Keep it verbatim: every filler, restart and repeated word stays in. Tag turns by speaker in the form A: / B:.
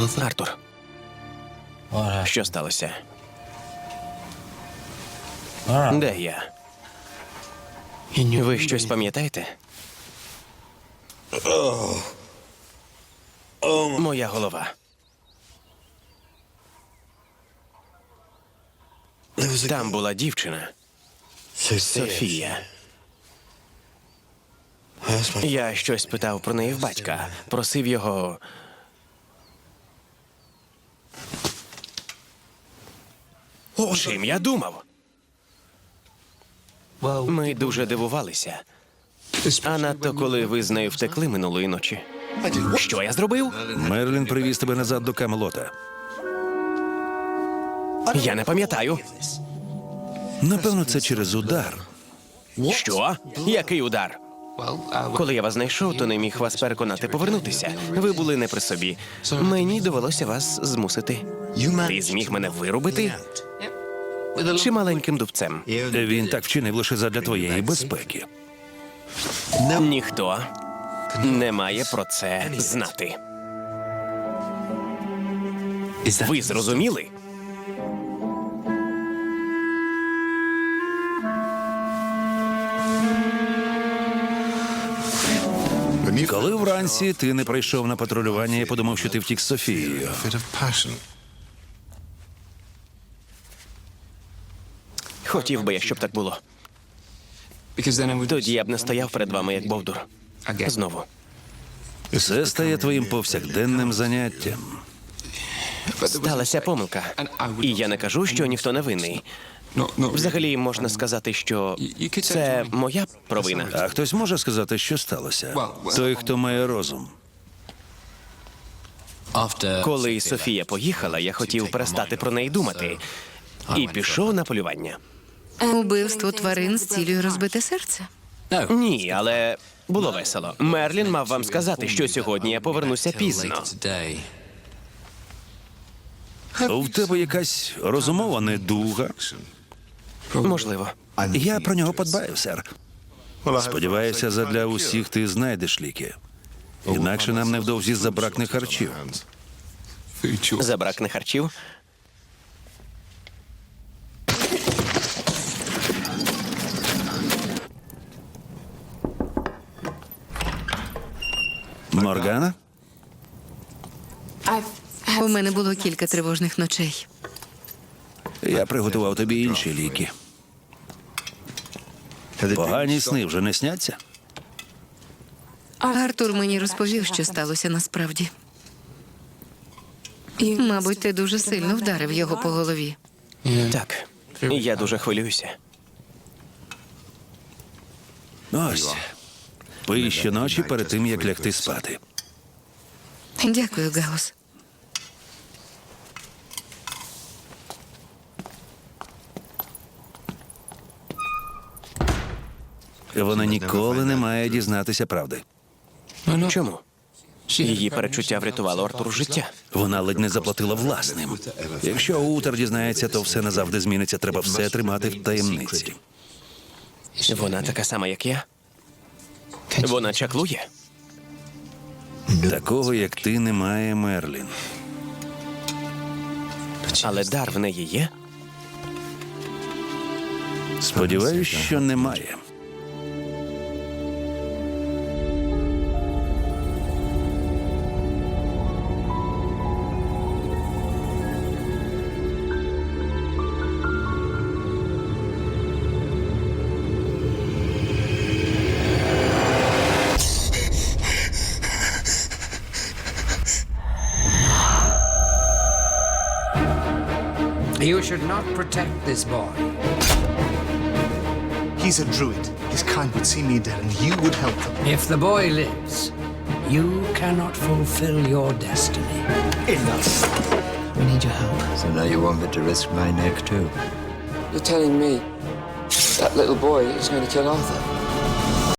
A: Артур, що сталося? Де я? Ви щось пам'ятаєте? Моя голова. Там була дівчина. Софія. Я щось питав про неї в батька. Просив його... Чим я думав? Ми дуже дивувалися. А надто, коли ви з нею втекли минулої ночі. Що я зробив?
B: Мерлін привіз тебе назад до Камелота.
A: Я не пам'ятаю.
B: Напевно, це через удар.
A: Що? Який удар? Коли я вас знайшов, то не міг вас переконати повернутися. Ви були не при собі. Мені довелося вас змусити. Ти зміг мене вирубити? Чи маленьким дубцем?
B: Він так вчинив лише задля твоєї безпеки.
A: Ніхто не має про це знати. Ви зрозуміли?
B: Коли вранці ти не прийшов на патрулювання, я подумав, що ти втік з Софією.
A: Хотів би я, щоб так було. Тоді я б не стояв перед вами, як бовдур. Знову.
B: Це стає твоїм повсякденним заняттям.
A: Сталася помилка. І я не кажу, що ніхто не винний. Взагалі, можна сказати, що це моя провина.
B: А хтось може сказати, що сталося? Той, хто має розум.
A: Коли Софія поїхала, я хотів перестати про неї думати. І пішов на полювання.
C: Убивство тварин з цілею розбити серце.
A: Ні, але було весело. Мерлін мав вам сказати, що сьогодні я повернуся пізно.
B: В тебе якась розумова недуга.
A: Можливо.
B: Я про нього подбаю, сер. Сподіваюся, задля усіх ти знайдеш ліки. Інакше нам невдовзі забракне харчів.
A: Забракне харчів?
B: Моргана?
C: У мене було кілька тривожних ночей.
B: Я приготував тобі інші ліки. Погані сни вже не сняться?
C: Артур мені розповів, що сталося насправді. Мабуть, ти дуже сильно вдарив його по голові.
A: Так. Я дуже хвилююся.
B: Ось. Пий щоночі перед тим, як лягти спати.
C: Дякую, Гаус.
B: Вона ніколи не має дізнатися правди.
A: Чому? Її перечуття врятувало Артуру життя.
B: Вона ледь не заплатила власним. Якщо Утер дізнається, то все назавжди зміниться. Треба все тримати в таємниці.
A: Вона така сама, як я? Вона чаклує?
B: Такого, як ти, немає, Мерлін.
A: Але дар в неї є?
B: Сподіваюсь, що немає.
D: You should not protect this boy.
E: He's a druid. His kind would see me dead, and you would help them.
D: If the boy lives, you cannot fulfill your destiny.
E: Enough.
F: We need your help.
G: So now you want me to risk my neck too?
F: You're telling me that little boy is going to kill Arthur?